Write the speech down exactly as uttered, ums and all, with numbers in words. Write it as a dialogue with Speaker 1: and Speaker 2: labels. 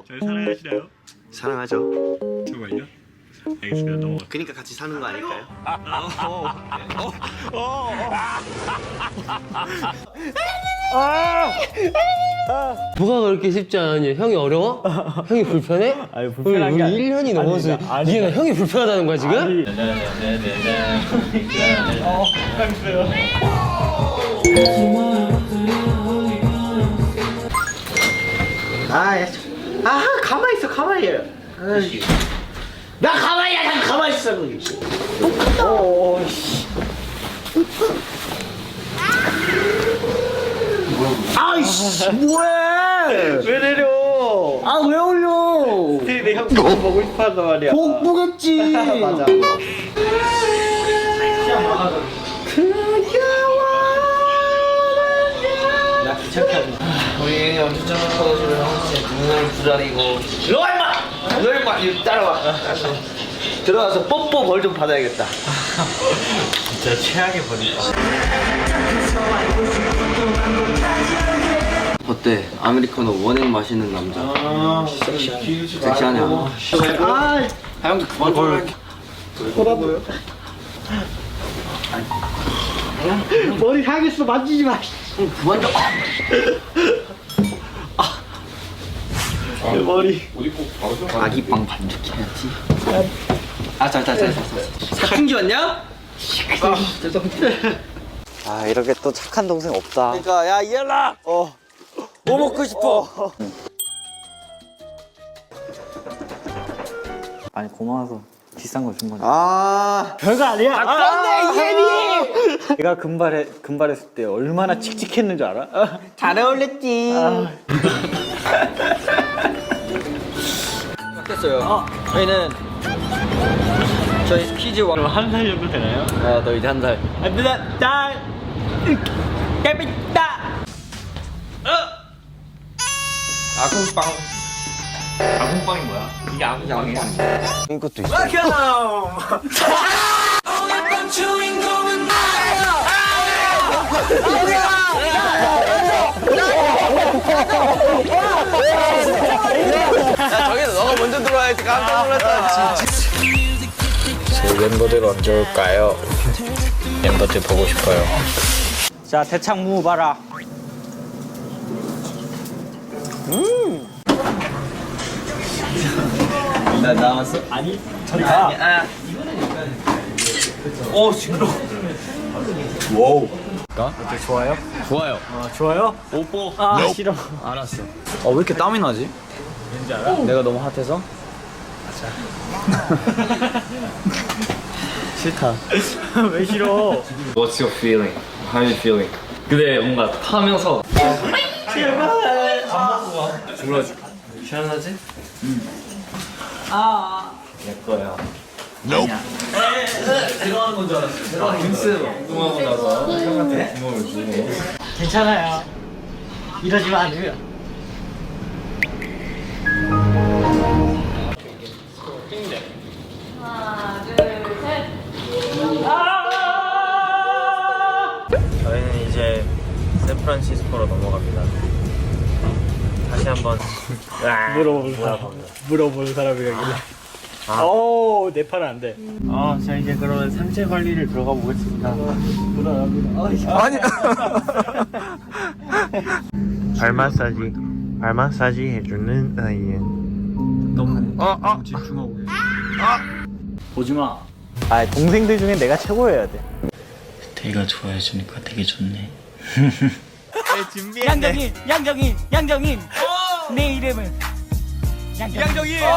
Speaker 1: 잘 사랑하시나요?
Speaker 2: 사랑하죠.
Speaker 1: 정말요? 알겠습니다. 넘어가.
Speaker 2: 그러니까 같이 사는 거 아닐까요?
Speaker 3: 뭐가 그렇게 쉽지 않았냐? 형이 어려워? 형이 불편해?
Speaker 4: 아니 불편한 게
Speaker 3: 우리 일 년이 넘어서
Speaker 4: 아니, 아니,
Speaker 3: 니가 형이 불편하다는 거야 지금?
Speaker 4: 아니.
Speaker 2: 아, 야, 아 가만히 있어, 가만히. 아이. 나 가만히야, 난 가만히 있어. 거기. 오, 씨. 아이씨, 뭐해?
Speaker 4: 왜 내려?
Speaker 2: 아, 왜 올려?
Speaker 4: 내가 복 보고 싶어서 말이야.
Speaker 2: 복 보겠지.
Speaker 4: 맞아. 나 귀찮게 하지.
Speaker 5: 우리 엄청 커가지고 형씨 눈을 부자리고 일로 와 임마! 일로 와 임마! 이리 따라와. 들어가서 뽀뽀 벌 좀 받아야겠다.
Speaker 4: 진짜 최악의 버리다.
Speaker 5: 어때? 아메리카노 원액 마시는 남자.
Speaker 4: 아,
Speaker 5: 섹시하냐?
Speaker 2: 아,
Speaker 5: 아 형도 그만 좀 해.
Speaker 2: 보라보여. 머리 상했어, 만지지 마.
Speaker 5: 그만 좀.
Speaker 2: 내 머리.
Speaker 5: 아기빵 반죽해야지. 아, 잘, 잘, 잘, 잘. 사춘기 왔냐?
Speaker 2: 아, 이렇게 또 착한 동생 없다.
Speaker 5: 그러니까 야 이현아. 어. 뭐 먹고 싶어?
Speaker 4: 아니 고마워서 비싼 거 준 거지.
Speaker 2: 아,
Speaker 4: 별거 아니야.
Speaker 2: 아, 그런데 이해니.
Speaker 4: 내가 금발에 금발했을 때 얼마나 칙칙했는 줄 알아?
Speaker 2: 잘 어울렸지.
Speaker 5: 바뀌었어요. 어. 저희는 저희 퀴즈 왕.
Speaker 4: 한 살 정도 되나요?
Speaker 5: 아, 너 이제 한 살.
Speaker 4: 안돼 날 깨끗다.
Speaker 5: 아궁빵.
Speaker 4: 아궁빵이 뭐야? 이게 아궁빵이야?
Speaker 5: 이것도 있어. 야, 저기서 너가 먼저 들어와야지. 깜짝 놀랐다.
Speaker 6: 제 멤버들 언제 올까요? 멤버들 보고 싶어요.
Speaker 4: 자 대창 무 봐라.
Speaker 5: 나 나왔어?
Speaker 4: 아니 저리 가.
Speaker 5: 아. 오, 징그러.
Speaker 4: 와우. 어때 좋아요?
Speaker 6: 좋아요.
Speaker 4: 어, 좋아요?
Speaker 6: 뽀뽀.
Speaker 4: 아 싫어.
Speaker 6: 알았어.
Speaker 4: 어 왜 이렇게 땀이 나지? 왠지 알아? 내가 너무 핫해서? 싫다. 왜 싫어?
Speaker 6: What's your feeling? How are you feeling? 근데 뭔가 타면서
Speaker 5: 시원하지?
Speaker 6: 내 거야.
Speaker 5: 들어가는 건 줄 알았어. 들어가는 빙스
Speaker 6: 운동하고 나서 형한테 구멍을 주고.
Speaker 4: 괜찮아요. 이러지 마, 아니면.
Speaker 7: 하나, 둘, 셋.
Speaker 4: 저희는 이제 샌프란시스코로 넘어갑니다. 다시 한번 물어보는 사람 물어보는 사람이라길래. 아. 오, 내 팔은 안 돼. 어, 자 이제 그러면 상체 관리를 들어가 보겠습니다. 불안합니다. 아니. 발 마사지, 발 마사지 해주는 아이엔. 너무 어, 어. 집중하고. 아. 보지 마. 아, 동생들 중에 내가 최고여야 돼.
Speaker 6: 내가 좋아해주니까 되게 좋네.
Speaker 4: 양정인, 양정인, 양정인. 내 이름은 양정인. 양정인.